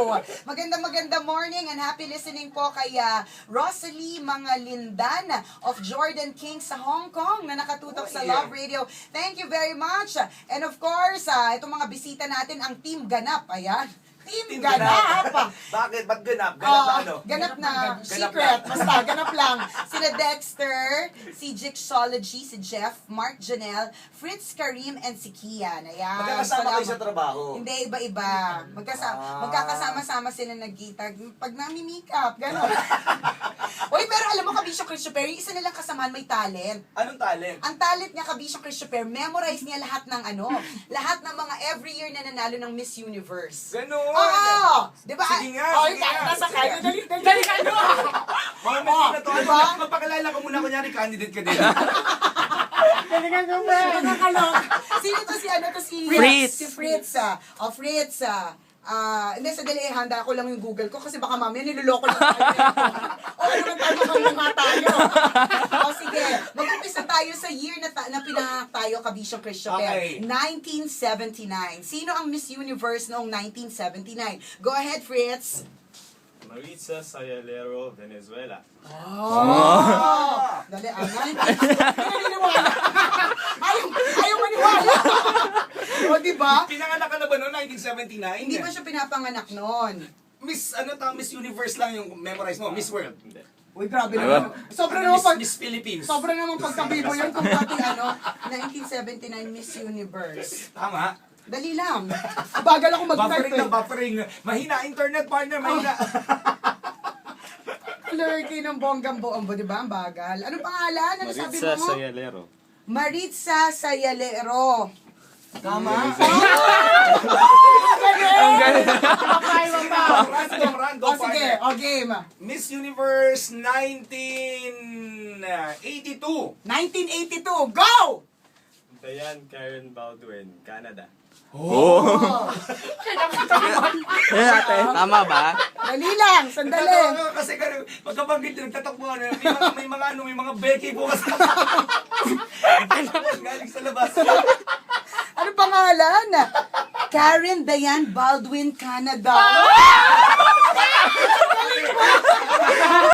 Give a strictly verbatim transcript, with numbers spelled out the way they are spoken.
Magandang magandang morning and happy listening po kay uh, Rosalie Mangalindan of Jordan King sa Hong Kong na nakatutok Oh, sa yeah. Love Radio. Thank you very much. And of course, uh, itong mga bisita natin, ang Team Ganap. Ayan. Team, Team Ganap. Bakit? Ba't ganap? Ganap Oh, na ano? ganap na, Ganap secret, na. basta ganap lang. Sina Dexter, si Jixology, si Jeff, Mark Janelle, Fritz Karim, and si Kian. Ayan. Magkakasama kayo Salamat. sa trabaho. Hindi, iba-iba. Magkasama, Ah. magkakasama-sama sila nagkita. Pag nami-make up, gano'n. Uy, pero alam mo, Kabisyo Christopher, yung isa nilang kasamahan may talent. Anong talent? Ang talent niya, Kabisyo Christopher, memorize niya lahat ng ano, lahat ng mga every year na nanalo ng Miss Universe. Ganon! Oo! Di ba? Sige nga, Oh, sige nga, nasa sige kanya. nga. Dali, dali, dali, ano? Mga Oh, na to, ano, diba? magpakilala ka muna, kunyari candidate ka din. Galingan ko ba? Nakakalok. Sino to si ano to si... Fritz. Si Fritz. ah. O, Fritz. ah. Ah, hindi, sa dali, handa ko lang yung Google ko kasi baka mamaya niloloko lang tayo. O, ano naman tayo kung mga tayo. O, sige. Mag-umpisa tayo sa year na, ta- na pinanganak tayo, Kabisyo Christopher. Okay. nineteen seventy-nine. Sino ang Miss Universe noong nineteen seventy-nine? Go ahead, Fritz. Maritza Sayalero, Venezuela. Oh! Dali, ah, nineteen... Hindi naniniwala. Ayaw, ayaw maniwala. O, diba? Pinanganak ka na ba noong nineteen seventy-nine? Hindi pa siya pinapanganak noon. Miss, ano ta, Miss Universe lang yung memorize mo, Miss World. Hindi. Uy, grabe Diba? naman. Sobra Ano, naman Miss, pag... Miss Philippines. Sobra naman pagkabibo yun kung pati ano, nineteen seventy-nine Miss Universe. Tama. Dali lang. Bagal ako mag-type Buffering eh. na buffering. Mahina internet partner, mahina. Lurky ng bonggang-buombo, di ba? Ang bagal. Anong pangalan? Ano sabi Maritza mo? Sayalero. Maritza Sayalero. Tama. Ang galing! Random, random O sige, partner. o game. Miss Universe nineteen eighty-two. nineteen eighty-two, go! Diane Karen Baldwin, Canada. Oh! Yan natin, tama ba? Dali lang, sandali. Nagtatawa ka kasi kaya pagkabanggit yung nagtatakbo ano, may mga, may mga ano, may mga Becky po kasi. Galing sa labas. Ano pangalan? Karen Diane Baldwin, Canada.